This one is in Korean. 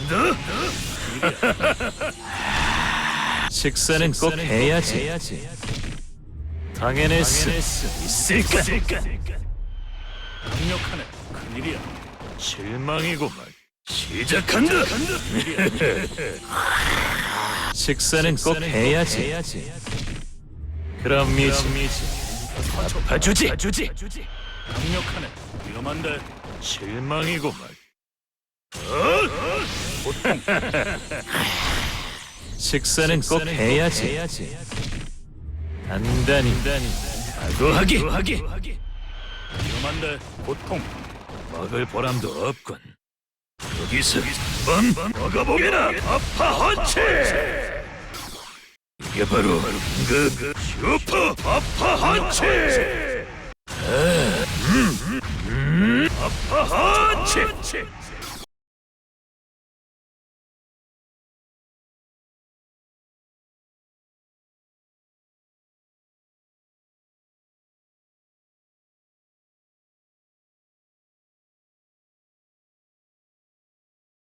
식사는 꼭 해야지. 당연할 수 있을까? 강력하네. 큰일이야. 실망이구만. 시작한다. 식사는 꼭 해야지. 그럼 미지. 봐주지. 강력하네. 위험한데. 실망이구만. 식사는 꼭 해야지. 단단히 각오하기. 위험한데. 고통. 먹을 보람도 없군. 여기서 먹어보게나. 아파 헌치. 이게 바로 그 슈퍼 아파 헌치. 아파 헌치.